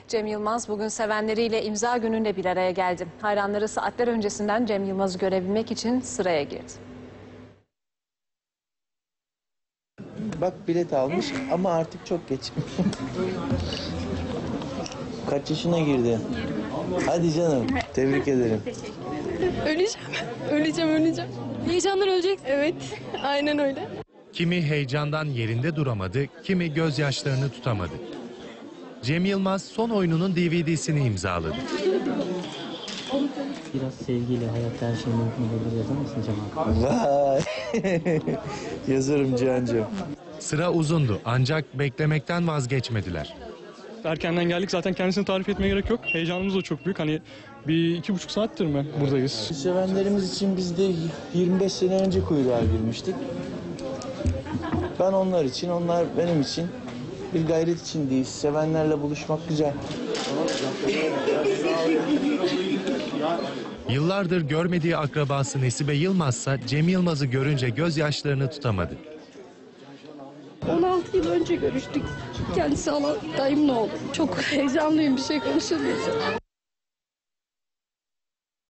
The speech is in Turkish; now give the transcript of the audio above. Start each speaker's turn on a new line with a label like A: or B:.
A: Cem Yılmaz bugün sevenleriyle imza gününde bir araya geldi. Hayranları saatler öncesinden Cem Yılmaz'ı görebilmek için sıraya girdi.
B: Bak bilet almış ama artık çok geç. Kaç yaşına girdi? Hadi canım, tebrik ederim.
C: Öleceğim. Heyecandan öleceksin. Evet, aynen öyle.
D: Kimi heyecandan yerinde duramadı, kimi gözyaşlarını tutamadı. Cem Yılmaz son oyununun DVD'sini imzaladı.
E: Biraz sevgiyle hayatta her şey mümkün olabilir yazar mısın Cem abi?
B: Vay! Yazarım Cihan'cığım.
D: Sıra uzundu ancak beklemekten vazgeçmediler.
F: Erkenden geldik, zaten kendisini tarif etmeye gerek yok. Heyecanımız da çok büyük. Hani bir 2,5 saattir mi buradayız?
B: Sevenlerimiz için biz de 25 sene önce kuyruğa girmiştik. Ben onlar için, onlar benim için. Bir gayret içindeyiz. Sevenlerle buluşmak güzel.
D: Yıllardır görmediği akrabası Nesibe Yılmazsa Cem Yılmaz'ı görünce gözyaşlarını tutamadı.
C: 16 yıl önce görüştük. Kendisi dayımla oldu. Çok heyecanlıyım, bir şey konuşamayacağım.